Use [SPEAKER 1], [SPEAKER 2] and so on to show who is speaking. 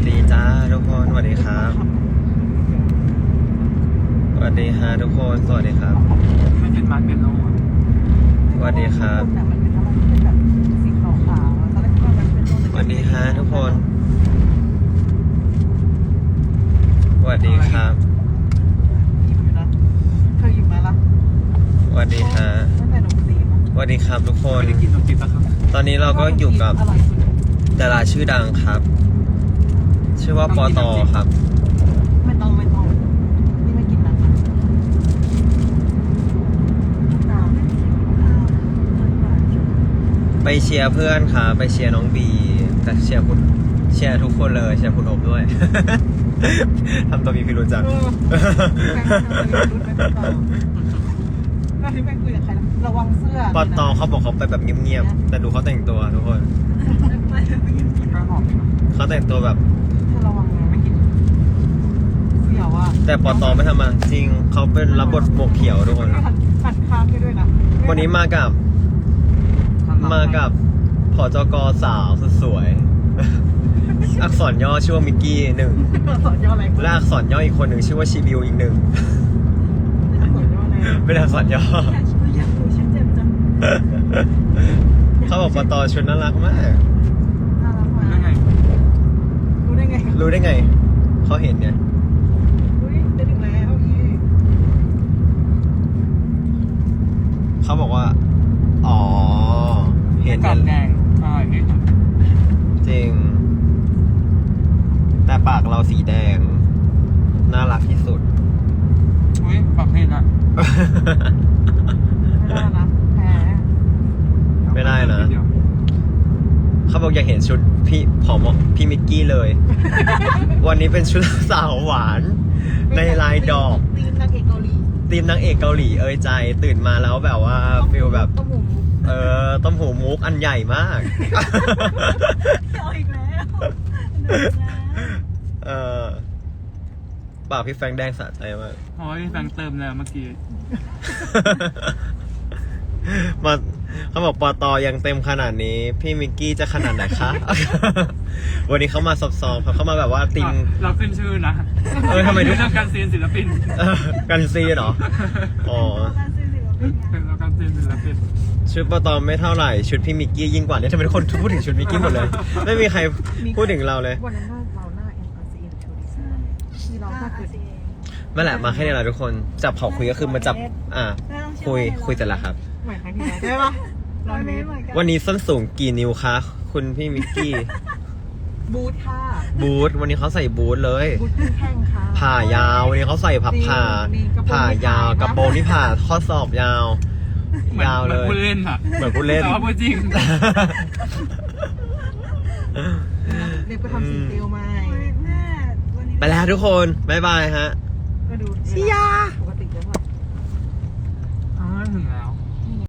[SPEAKER 1] ดีจ้าทุกคนสวัสดีครับสวัสดีฮะทุกคนสวัสดีครับ
[SPEAKER 2] มันเป็นมาร์เก็ตโล
[SPEAKER 1] สวัสดีครับ
[SPEAKER 3] มันเป็นอะไรที่เป็นแบบสีขาวๆตอนแรกคิดว่ามันเป็น
[SPEAKER 1] สวัสดีฮะทุกคนสวัสดีครับ
[SPEAKER 3] ยิ้มอยู่นะเธอยิ้มมาละ
[SPEAKER 1] สวัสดีฮะ
[SPEAKER 3] ตั้งแต่หนุ่มตีมา
[SPEAKER 1] สวัสดีครับทุกคน
[SPEAKER 2] ไม่ได้กินนมจีบแล้วครับ
[SPEAKER 1] ตอนนี้เราก็อยู่กับ
[SPEAKER 3] อร่อยสุด
[SPEAKER 1] ดาราชื่อดังครับ ชื่อว่าปอตอครับ
[SPEAKER 3] ไม่ต้องนี่ไม่กินนะ
[SPEAKER 1] ไปเชียร์เพื่อนครับไปเชียร์น้องบีแต่เชียร์ทุกคนเลยเชียร์คุณอบด้วย ทำตัวมีพิรุธจัง
[SPEAKER 3] แล้วที่แม่คุยกับใครนะระวังเสื้อ
[SPEAKER 1] ปอตอเขาบอกเขาไปแบบเงียบๆแต่ดูเขาแต่งตัวทุกคน
[SPEAKER 2] ก็หอมดีนะ
[SPEAKER 1] เขาแต่งตัวแบบ
[SPEAKER 3] เธอระวังนะไม่กินเสี่ยวอ่ะ
[SPEAKER 1] แต่ปอตอไม่ทำมาจริงเขาเป็นรับบทหมวกเขียวทุกคน
[SPEAKER 3] หันข้างให้ด้วยนะ
[SPEAKER 1] วันนี้มากับผจกสาวสุดสวย อักษรย่อชื่อว่ามิกกี้หนึ่ง
[SPEAKER 3] สอนย่ออะไร
[SPEAKER 1] และอักษรย่ออีกคนหนึ่งชื่อว่าชิบิวอีกหนึ่ง
[SPEAKER 3] สอนย่ออะไร
[SPEAKER 1] เป็นอักษรย่อ
[SPEAKER 3] อยากรู้ชื่อเจ็บจัง
[SPEAKER 1] เขาบอกปอตอชุดน่ารักมาก
[SPEAKER 3] น่ารักมา
[SPEAKER 2] นั่นไง
[SPEAKER 3] รู้ได้ไง
[SPEAKER 1] รู้ได้ไง เขาเห็นไง
[SPEAKER 3] รู้ดิได้ถึงแล้วอี
[SPEAKER 1] เขาบอกว่า อ๋อ เห็น
[SPEAKER 2] กรอบแดงอร่อยที่สุด
[SPEAKER 1] จริง แต่ปากเราสีแดง น่ารักที่สุด
[SPEAKER 2] อุ้ยปากเผ็ดอ่ะ
[SPEAKER 3] ไม่ได้นะแพ้
[SPEAKER 1] ไม่ได้นะ เขาบอกอยากเห็นชุดพี่มิกกี้เลย วันนี้เป็นชุดสาวหวาน ในลายดอก
[SPEAKER 3] ตีนนางเอกเกาหลี
[SPEAKER 1] ทีมนางเอกเกาหลีเอ่ยใจตื่นมาแล้วแบบว่าฟิลแบบ
[SPEAKER 3] ต้มหูมุก
[SPEAKER 1] ต้มหูมุกอันใหญ่มาก
[SPEAKER 3] เอาอีกแล้ว
[SPEAKER 1] ปากพี่แฟงแดงสะใจมาก
[SPEAKER 2] โอ้ยแฟงเติมแล้วเมื่อกี้
[SPEAKER 1] มาเขาบอกปอตอยังเต็มขนาดนี้ พี่มิกกี้จะขนาดไหนคะ วันนี้เขามาซอฟๆเขามาแบบว่าติง
[SPEAKER 2] เราขึ้นชื่อนะ
[SPEAKER 1] ทำไมทุก
[SPEAKER 2] เรื่องการซีนศิลปิน
[SPEAKER 1] กันซีเหรอ อ๋อ
[SPEAKER 2] เราการซีนศิลปิน
[SPEAKER 1] ชุดปอตอไม่เท่าไหร่ชุดพี่มิกกี้ยิ่งกว่าเนี่ยทำไมทุกคนพูดถึงชุดมิกกี้หมดเลย ไม่มีใครพูดถึงเราเลย
[SPEAKER 3] วันนั้นเราหน้า MRC หรือชูดิซ่าที่เราถ้าเกิด
[SPEAKER 1] นั่นแหละมาแค่นี้แหละทุกคนจับเขาคุยก็คือมาจับคุยแต่ละครับ
[SPEAKER 3] หมายครั้งที่แล้วใช่ปะ100 เมตร
[SPEAKER 1] วันนี้ส้นสูงกี่นิ้วคะคุณพี่มิกกี้
[SPEAKER 3] บูทค่ะ
[SPEAKER 1] บูทวันนี้เขาใส่บูทเลย
[SPEAKER 3] บูทแข้งค่ะ
[SPEAKER 1] ผ่ายาววันนี้เขาใส่ผ่า
[SPEAKER 3] ดีกระโปรง
[SPEAKER 1] ผ่ายาวกระโปรงที่ผ่าข้อศอกยาว ยาวเลย
[SPEAKER 2] เหมือนผู้เล่นอ่ะ
[SPEAKER 1] เหมือนผู้เล่น
[SPEAKER 2] แต่ว่าพูดจริง
[SPEAKER 3] เด็กไปทำสีเตียวไหม
[SPEAKER 1] ไปแล้วทุกคนบ๊ายบายฮะ
[SPEAKER 3] ก็ดู
[SPEAKER 1] เชียร์
[SPEAKER 3] ปกติจะแบบ
[SPEAKER 2] อ๋อถึงแล้ว